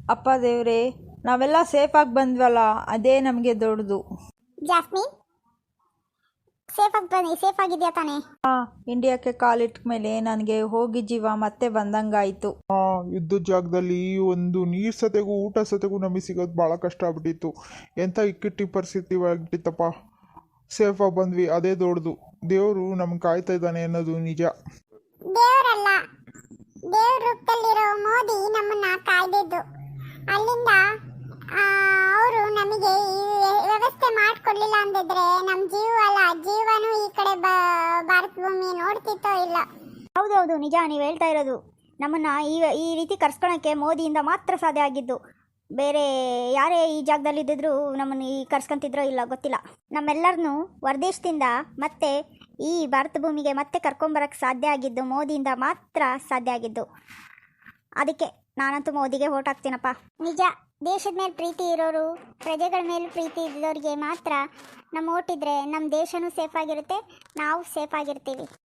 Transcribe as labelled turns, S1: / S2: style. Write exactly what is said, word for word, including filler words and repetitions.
S1: ಅಪ್ಪ ದೇವ್ರೆ, ನಾವೆಲ್ಲ ಸೇಫಾಗಿ ಬಂದ್ವಲ್ಲ, ಅದೇ ನಮಗೆ ದೊಡ್ಡದು.
S2: ಜಾಸ್ಮಿನ್, ಸೇಫಾಗಿ ಬನ್ನಿ. ಸೇಫ್ ಆಗಿದೆಯಾ ತಾನೇ?
S1: ಹಾ, ಇಂಡಿಯಾಕ್ಕೆ ಕಾಲಿಟ್ಟ ಮೇಲೆ ನನಗೆ ಹೋಗಿ ಜೀವ ಮತ್ತೆ ಬಂದಂಗಾಯ್ತು.
S3: ಆ ಇದ್ದ ಜಾಗದಲ್ಲಿ ಒಂದು ನೀರು ಸತೆಗೂ ಊಟ ಸತೆಗೂ ನಮಗೆ ಸಿಗೋದು ಭಾಳ ಕಷ್ಟ ಆಗ್ಬಿಟ್ಟಿತ್ತು. ಎಂಥ ಇಕ್ಕಟ್ಟಿ ಪರಿಸ್ಥಿತಿ ಆಗ್ಬಿಟ್ಟಿತ್ತಪ್ಪ. ಸೇಫಾಗಿ ಬಂದ್ವಿ, ಅದೇ ದೊಡ್ಡದು. ದೇವರು ನಮ್ಗೆ ಕಾಯ್ತಾ ಇದ್ದಾನೆ ಅನ್ನೋದು ನಿಜ.
S2: ದೇವರಲ್ಲ, ದೇವ್ರ ರೂಪದಲ್ಲಿರೋ ಮೋದಿ ನಮ್ಮನ್ನ ಕಾಯ್ದಿದ್ದು. ಅಲ್ಲಿಂದ ಅವರು ನಮಗೆ ಈ ವ್ಯವಸ್ಥೆ ಮಾಡಿಕೊಡ್ಲಿಲ್ಲ ಅಂದಿದ್ರೆ ನಮ್ಮ ಜೀವ ಅಲ್ಲ, ಜೀವನೂ ಈ ಕಡೆ ಭಾರತ ಭೂಮಿ ನೋಡ್ತಿತ್ತೋ ಇಲ್ಲ.
S4: ಹೌದೌದು, ನಿಜ ನೀವು ಹೇಳ್ತಾ ಇರೋದು. ನಮ್ಮನ್ನು ಈ ಈ ರೀತಿ ಕರ್ಸ್ಕೊಳಕ್ಕೆ ಮೋದಿಯಿಂದ ಮಾತ್ರ ಸಾಧ್ಯ ಆಗಿದ್ದು. ಬೇರೆ ಯಾರೇ ಈ ಜಾಗದಲ್ಲಿ ಇದ್ದಿದ್ರು ನಮ್ಮನ್ನು ಈ ಕರ್ಸ್ಕೊಂತಿದ್ರೋ ಇಲ್ಲ ಗೊತ್ತಿಲ್ಲ. ನಮ್ಮೆಲ್ಲರನ್ನೂ ಹೊರದೇಶದಿಂದ ಮತ್ತೆ ಈ ಭಾರತ ಭೂಮಿಗೆ ಮತ್ತೆ ಕರ್ಕೊಂಬರಕ್ಕೆ ಸಾಧ್ಯ ಆಗಿದ್ದು ಮೋದಿಯಿಂದ ಮಾತ್ರ ಸಾಧ್ಯ ಆಗಿದ್ದು. ಅದಕ್ಕೆ ನಾನಂತೂ ಮೋದಿಗೆ ಓಟ್ ಹಾಕ್ತೀನಪ್ಪ.
S2: ನಿಜ, ದೇಶದ ಮೇಲೆ ಪ್ರೀತಿ ಇರೋರು, ಪ್ರಜೆಗಳ ಮೇಲೆ ಪ್ರೀತಿ ಇದ್ದವ್ರಿಗೆ ಮಾತ್ರ ನಮ್ಮ ಓಟಿದ್ರೆ ನಮ್ಮ ದೇಶನೂ ಸೇಫ್ ಆಗಿರುತ್ತೆ, ನಾವು ಸೇಫ್ ಆಗಿರ್ತೀವಿ.